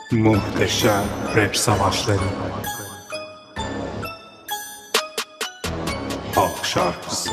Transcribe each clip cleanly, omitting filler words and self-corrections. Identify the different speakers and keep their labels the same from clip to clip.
Speaker 1: Muhteşem rap savaşları. Halk şarkısı.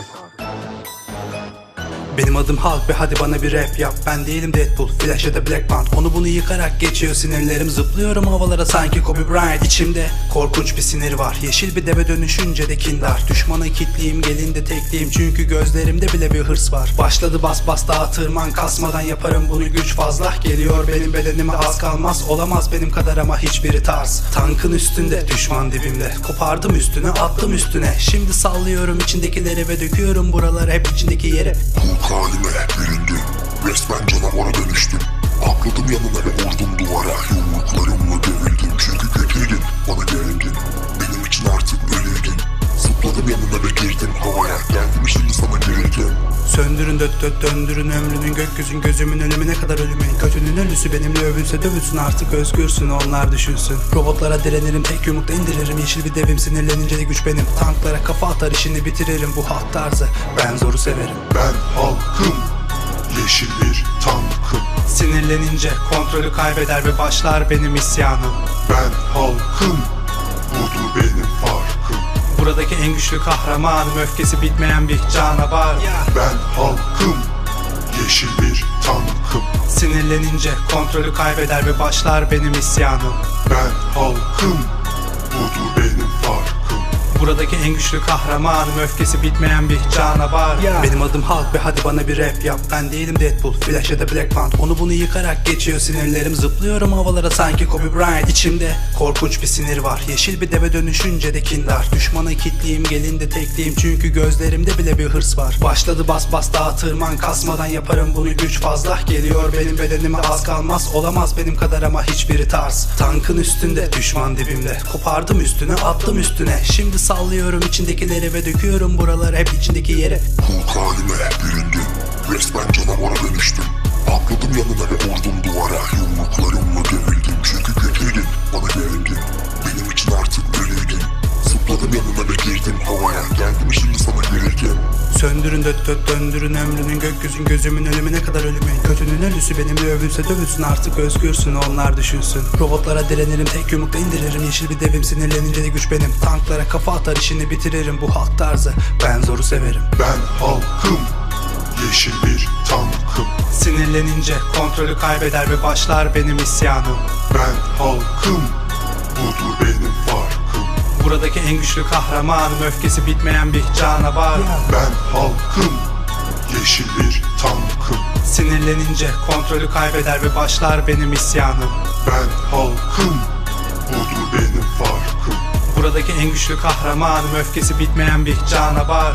Speaker 2: Benim adım Halk ve hadi bana bir rap yap. Ben değilim Deadpool, Flash ya da Black Panther. Onu bunu yıkarak geçiyor sinirlerim. Zıplıyorum havalara sanki Kobe Bryant. İçimde korkunç bir sinir var. Yeşil bir deve dönüşünce de kindar. Düşmana kitliyim, gelin de tekliyim. Çünkü gözlerimde bile bir hırs var. Başladı bas bas daha tırman. Kasmadan yaparım bunu, güç fazla. Geliyor benim bedenime az kalmaz. Olamaz benim kadar ama hiçbiri tarz. Tankın üstünde, düşman dibimde. Kopardım üstüne, attım üstüne. Şimdi sallıyorum içindekileri ve döküyorum buraları hep içindeki yere.
Speaker 3: Halime büründüm, resmen canavara dönüştüm. Atladım yanına ve vurdum duvara. Yumruklarımla dövüldüm çünkü kötüydün, bana gerildin. Benim için artık ölüydün. Zıpladım yanına ve girdim havaya. Geldim şimdi sana gerildim.
Speaker 2: Söndürün döndürün ömrünün gökyüzün gözümün ölümüne kadar ölümün. Kötünün ölüsü benimle övülse dövülsün, artık özgürsün onlar düşünsün. Robotlara direnirim, tek yumrukta indiririm. Yeşil bir devim, sinirlenince de güç benim. Tanklara kafa atar, işini bitiririm. Bu halk tarzı, ben zoru severim.
Speaker 3: Ben halkım, yeşil bir tankım.
Speaker 2: Sinirlenince kontrolü kaybeder ve başlar benim isyanım.
Speaker 3: Ben halkım, budur benim farkım.
Speaker 2: Buradaki en güçlü kahramanım, öfkesi bitmeyen bir canavar.
Speaker 3: Ben halkım, yeşil bir tankım.
Speaker 2: Sinirlenince kontrolü kaybeder ve başlar benim isyanım.
Speaker 3: Ben halkım, budur benim farkım.
Speaker 2: Buradaki en güçlü kahramanım, öfkesi bitmeyen bir canavar. Benim adım Halk ve hadi bana bir rap yap. Ben değilim Deadpool, Flash ya da Black Panther. Onu bunu yıkarak geçiyor sinirlerim. Zıplıyorum havalara sanki Kobe Bryant. İçimde korkunç bir sinir var. Yeşil bir deve dönüşünce de kindar. Düşmana kitliyim, gelin de tekliyim. Çünkü gözlerimde bile bir hırs var. Başladı bas bas daha tırman. Kasmadan yaparım bunu, güç fazla. Geliyor benim bedenime az kalmaz. Olamaz benim kadar ama hiçbiri tarz. Tankın üstünde, düşman dibimde. Kopardım üstüne, attım üstüne. Şimdi sallıyorum içindekileri ve döküyorum buraları hep içindeki yere.
Speaker 3: Hulk halime büründüm, resmen canavara dönüştüm. Atladım yanına ve vurdum duvara. Yumruklarımla dövüldüm çünkü kötüydün, bana gerildin. Benim için artık ölüydün. Zıpladım yanına ve girdim havaya. Geldim şimdi sana gerildim.
Speaker 2: Söndürün döndürün ömrünün gökyüzün gözümün ölümüne kadar ölümün. Kötünün ölüsü benimle övülse dövülsün, artık özgürsün onlar düşünsün. Robotlara direnirim, tek yumrukta indiririm. Yeşil bir devim, sinirlenince de güç benim. Tanklara kafa atar, işini bitiririm. Bu halk tarzı, ben zoru severim.
Speaker 3: Ben halkım, yeşil bir tankım.
Speaker 2: Sinirlenince kontrolü kaybeder ve başlar benim isyanım.
Speaker 3: Ben halkım, budur benim farkım.
Speaker 2: Buradaki en güçlü kahramanım, öfkesi bitmeyen bir canavar.
Speaker 3: Ben halkım, yeşil bir tankım.
Speaker 2: Sinirlenince kontrolü kaybeder ve başlar benim isyanım.
Speaker 3: Ben halkım, budur benim farkım.
Speaker 2: Buradaki en güçlü kahramanım, öfkesi bitmeyen bir canavar.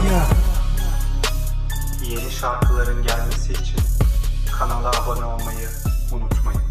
Speaker 2: Yeni şarkıların gelmesi için kanala abone olmayı unutmayın.